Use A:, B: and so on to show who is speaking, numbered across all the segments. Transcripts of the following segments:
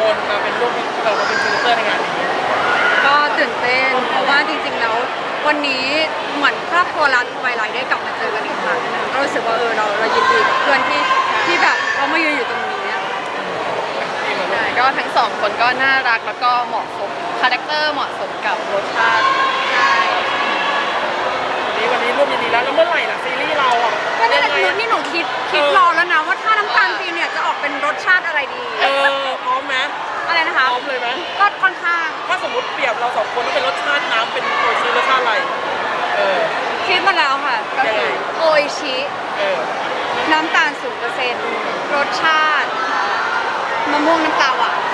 A: คนมาเป็นร่วมมาเป็นพรีเซนเตอร์ในงานนี้
B: ก็ตื่นเต้นเพราะว่าจริงๆแล้ววันนี้เหมือนครอบครัวร้านทวายไลท์ได้กลับมาเจอกันอีกครั้งนึงก็รู้สึกว่าเรายินดีกับเพื่อนที่แบบเขามายืนอยู่ตรงนี้
C: ใช่ก็ทั้งสองคนก็น่ารักแล้วก็เหมาะสมคาแรคเตอร์เหมาะสมกับรสชาติใช่
A: วันนี้ร่วมยินดีแล้วเมื่อไหร่ล่ะซีรีส์เราอ่ะ
B: ก็นี่แหละนี่หนูคิดรอแล้วนะว่าถ้าน้ำตาลฟิล์มเนี่ยจะออกเป็นรสชาติอะไรดี
A: พร้อมไหม
B: อะไรนะคะ
A: พร้อมเลยไหม
B: ก็ค่อนข้าง
A: ถ้าสมมติเปรียบเราสองคนต้องเป็นรสชาติน้ำเป็นโอชิรสชาติอะไร
B: คิดมาแล้วค่ะก็คือโออิชิน้ำตาล0%รสชาติมะม่วงน้ำตาหวาน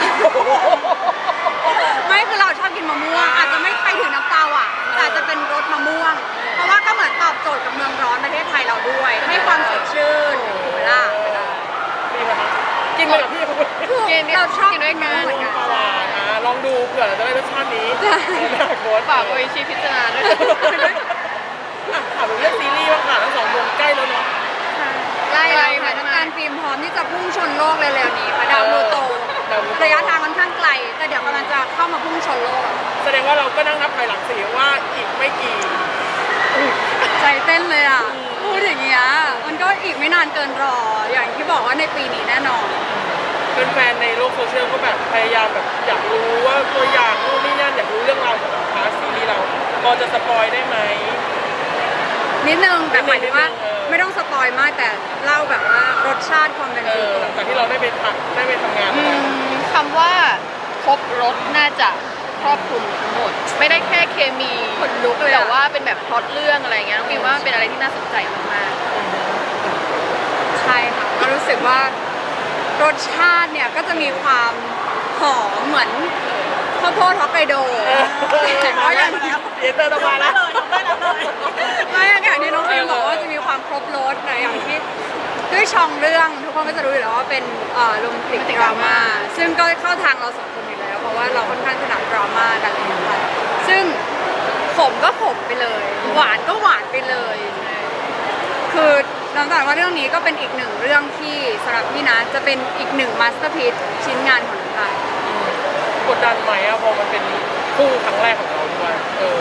B: ไม่คือเราชอบกินมะม่วงอาจจะไม่ไปถึงน้ำตาหวานแต่จะเป็นรสมะม่วงเพราะว่าก็เหมือนตอบโจทย์กับเมืองร้อนประเทศไทยเราด้วยให้ความสดชื่นถูกไหมล่ะ
A: กินไปกับพี่คุณ
B: เราชอบกินด้วยกันเหมือนกัน
A: ลองดูเผื่อเราจะได้รสชาตินี้
C: โค้ดฝากโออิชิพิจารณาด้วย
A: ถามเรื่องซีรีส์บ้างค่ะทั้งสองวงใกล้แล้วเนาะ
B: ใกล้แล้วค่ะน้ำตาลฟิล์มพร้อมที่จะพุ่งชนโลกเร็วๆนี้ค่ะดาวพลูโตระยะทางค่อนข้างไกลแต่เดี๋ยวกำลังจะเข้ามาพุ่งชนโลก
A: แสดงว่าเราก็นั่งนับถอยหลังสิว่าอีกไม่กี่
B: ใจเต้นเลยอ่ะพูดอย่างเงี้ยมันก็อีกไม่นานเกินรออย่างที่บอกว่าในปีนี้แน่นอน
A: แฟนในโลกโซเชียลก็แบบพยายามแบบอยากรู้ว่าตัวอย่างนู่นนี่นั่นอยากรู้เรื่องราวของพาร์ทซีรีส์เราพอจะสปอยได้ไหม
B: นิดนึงแต่หมายถึงว่าไม่ต้องสปอยมากแต่เล่าแบบว่ารสชาติความเป็น
A: หลังจากที่เราได้ไปทำงาน
C: คำว่าครบรสน่าจะครอบคลุมทั้งหมดไม่ได้แค่เคมี
B: ขนลุกเลย
C: แต่ว่าเป็นแบบพล็อตเรื่องอะไรเงี้ยน้องฟิล์มว่าเป็นอะไรที่น่าสนใจมาก
B: ๆใช่ค่ะก็รู้สึกว่ารสชาติเนี่ยก็จะมีความหอมเหมือนข้าวโพดฮอกไกโดแต่ก็ยัง
A: เตอร์ต้องมาแล้ว
B: ไม่อย่างที่น้องฟิล์มบอกว่าจะมีความครบรสนะอย่างที่ด้วยช่องเรื่องทุกคนก็จะรู้อยู่แล้วว่าเป็นโรแมนติกดราม่าซึ่งก็เข้าทางเราสองคนอยู่แล้วเพราะว่าเราค่อนข้างถนัดดราม่ากันเลยนะคะซึ่งขมก็ขมไปเลยหวานก็หวานไปเลยคือน้ำตาลว่าเรื่องนี้ก็เป็นอีกหนึ่งเรื่องที่สำหรับพี่นะจะเป็นอีกหนึ่งมาสเตอร์พีซชิ้นงานของน้ำตาล
A: กดดันไหมอะพอมันเป็นคู่ครั้งแรกของเราด้วย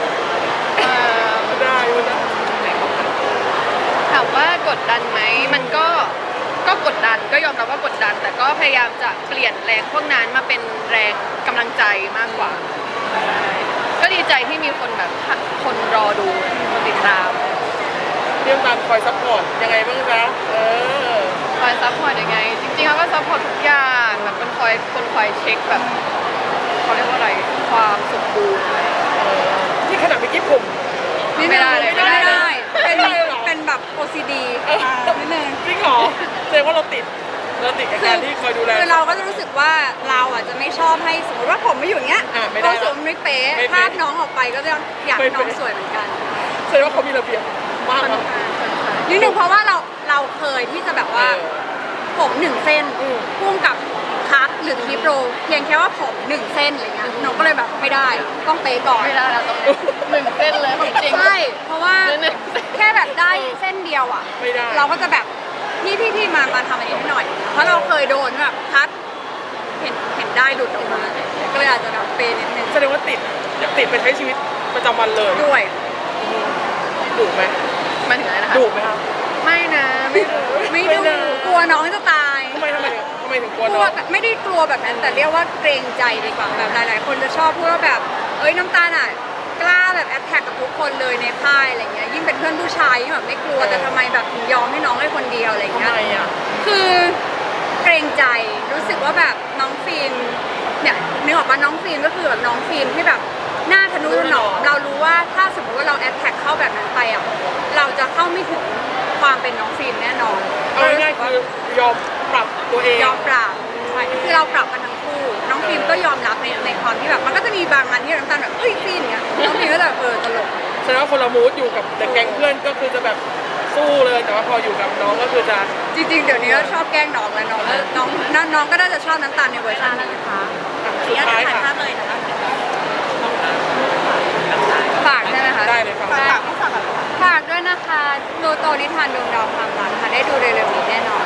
A: ได้
C: ถามว่ากดดันไหมมันก็กดดันก็ยอมรับว่ากดดันแต่ก็พยายามจะเปลี่ยนแรงพวกนั้นมาเป็นแรงกำลังใจมากกว่าก็ดีใจที่มีคนแบบคนรอดูคนติดตาม
A: เรื่องการคอยซัพพอร์ตยังไงบ้างจ๊ะ
C: คอยซัพพอร์ตยังไงจริงๆเขาก็ซัพพอร์ตทุกอย่างแบบคนคอยเช็คแบบเขาเรียกว่าอะไรความสมบูรณ์
A: ที่ขนาดเมื่อกี้ผม
B: ไม่ได้เป็นแบบ OCD นิดนึง
A: จริงเหรอแสดงว่าเราติดกับการที่คอยดูแล
B: คือเราก็จะรู้สึกว่าเราอ่ะจะไม่ชอบให้สมมติว่าผมไม่อยู่อย่างเงี้ยเราสึกไม่เป๊ะภาพน้องออกไปก็จะอยากให้น้องสวยเหมือนกัน
A: แสดงว่าเขามีระเบียบมาก
B: นิดนึงเพราะว่าเราเคยที่จะแบบว่าผม1 เส้นพ่วงกับคัทหรือคีโปรเพียงแค่ว่าผม1 เส้นอะไรเงี้ยน้องก็เลยแบบไม่ได้ต้องเป๊ะก่อน
C: ไม่ได้เราต้อง1 เส้นเลยจริง
B: ใช่เพราะว่าแค่แบบได้เส้นเดียวอ่ะเราก็จะแบบพี่มาทำอันนี้ให้หน่อยเพราะเราเคยโดนแบบคัทเห็นได้หลุดออกมาก็เลยอาจจะแบบเป๊ะนิดนึง
A: แสดงว่าอยากติดไปใช้ชีวิตประจำวันเลย
B: ด้วย
A: ดุไหม
C: มันถึงอะไรนะคะ
A: ดุไหมครับ
C: ไม่นะ
B: ไม่ดุกลัวน้องจะตาย
A: ทำไมถึงกลัวน้อง
B: ไม่ได้กลัวแบบนั้นแต่เรียกว่าเกรงใจดีกว่าแบบหลายๆคนจะชอบพูดว่าแบบน้ำตาลอ่ะกล้าแบบแอทแทกกับทุกคนเลยในค่ายอะไรเงี้ยยิ่งเป็นเพื่อนผู้ชายยิ่งแบบไม่กลัวแต่ทำไมแบบถึงยอมให้น้องให้คนเดียวอะไรเงี้ยคือเกรงใจรู้สึกว่าแบบน้องฟิล์มเนี่ยนึกออกป่ะน้องฟิล์มก็คือแบบน้องฟิล์มที่แบบหน้าทะนุถนอมเรารู้ว่าถ้าสมมติว่าเราแอทแทกเข้าแบบนั้นไปอ่ะเราจะเข้าไม่ถึงความเป็นน้องฟิล์มแน่นอน
A: เอาง่ายๆคือยอมปรับตัวเอง
B: ยอมปรับใช่คือเราปรับกันทั้งคู่น้องฟิล์มก็ยอมรับในความที่แบบมันก็จะมีบางอันที่น้ำตาลแบบฟิล์มเงี้ยน้องฟิล์มก็จะตลก
A: แสดงว่าคนละมูดอยู่กับแต่แก๊งเพื่อนก็คือจะแบบสู้เลยแต่ว่าพออยู่กับน้องก็คือจะ
B: จริงๆเดี๋ยวนี้ก็ชอบแกล้งน้องแล้วน้องก็น่าจะชอบน้ำตาลในเวอร์ชันนี้นะคะ
A: สุดท้ายค่ะ
B: ฝากใช่ไหมคะ
A: ได้เลย
B: ฝากด้วยนะคะโลโตนิทานดวงดาวความรักค่ะได้ดูเร็วๆนี้แน่นอน